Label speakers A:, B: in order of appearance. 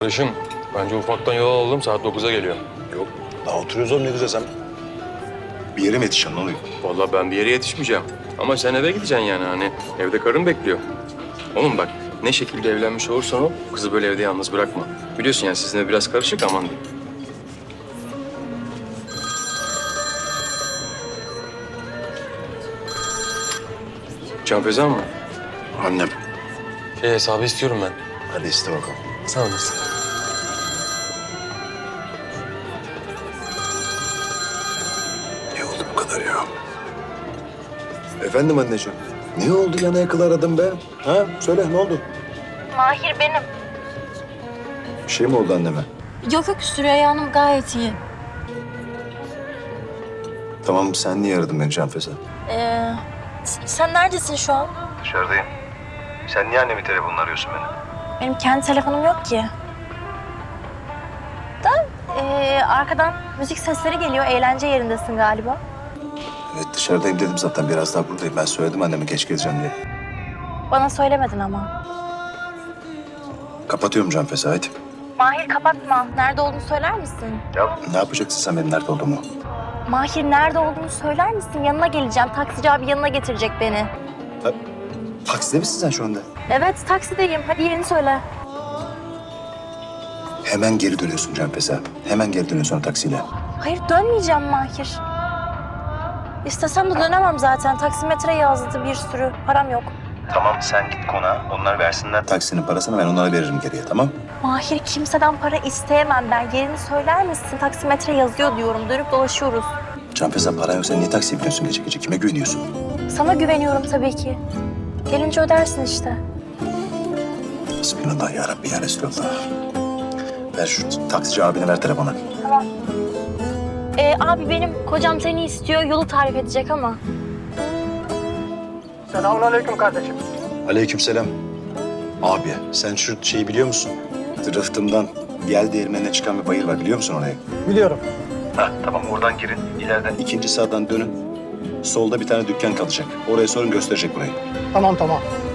A: Kardeşim, bence ufaktan yol alalım. Saat 9'a geliyor.
B: Yok. Daha oturuyoruz oğlum ne güzel sen. Bir yere mi yetişeceksin ne oluyor?
A: Vallahi ben bir yere yetişmeyeceğim. Ama sen eve gideceksin yani hani. Evde karın bekliyor. Oğlum bak, ne şekilde evlenmiş olursan ol, kızı böyle evde yalnız bırakma. Biliyorsun yani sizin ev biraz karışık, aman diyeyim. Can Feza mı?
B: Annem.
A: Hesabı istiyorum ben.
B: Hadi iste bakalım.
A: Sağ olasın.
B: Ne oldu bu kadar ya? Efendim anneciğim. Ne oldu yana yakıla aradım be? Ha? Söyle ne oldu?
C: Mahir benim.
B: Bir şey mi oldu anneme?
C: Yok yok Süreyya Hanım gayet iyi.
B: Tamam sen niye aradın beni Canfeza?
C: Sen neredesin şu an?
B: Dışarıdayım. Sen niye annemin telefonunu arıyorsun beni?
C: Benim kendi telefonum yok ki. Da arkadan müzik sesleri geliyor. Eğlence yerindesin galiba.
B: Evet dışarıdayım dedim zaten biraz daha buradayım. Ben söyledim anneme geç geleceğim diye.
C: Bana söylemedin ama.
B: Kapatıyorum Canfeza hadi.
C: Mahir kapatma. Nerede olduğunu söyler misin?
B: Ya ne yapacaksın sen benim nerede olduğumu?
C: Mahir nerede olduğunu söyler misin? Yanına geleceğim. Taksici abi yanına getirecek beni.
B: Takside misin sen şu anda?
C: Evet taksideyim. Hadi yerini söyle.
B: Hemen geri dönüyorsun Canfeza. Hemen geri dönüyorsun o taksiyle.
C: Hayır dönmeyeceğim Mahir. İstesem de dönemem zaten. Taksimetre yazdı bir sürü. Param yok.
B: Tamam sen git konağa. Onlar versinler taksinin parasını ben onlara veririm geriye tamam?
C: Mahir kimseden para isteyemem ben. Yerini söyler misin? Taksimetre yazıyor diyorum. Dönüp dolaşıyoruz.
B: Canfeza paran yoksa niye taksiye biniyorsun gece gece? Kime güveniyorsun?
C: Sana güveniyorum tabii ki. Gelince ödersin işte.
B: Bismillah ya Rabbi ya Resulallah. Ver şu taksici abine ver telefonu.
C: Tamam. Abi benim kocam seni istiyor. Yolu tarif edecek ama.
D: Selamünaleyküm kardeşim.
B: Aleykümselam. Abi sen şu şeyi biliyor musun? Rıhtımdan gel değirmenine çıkan bir bayır var biliyor musun orayı?
D: Biliyorum.
B: Ha tamam oradan girin. İleriden ikinci sağdan dönün. Solda bir tane dükkan kalacak. Oraya sorun gösterecek burayı.
D: Tamam.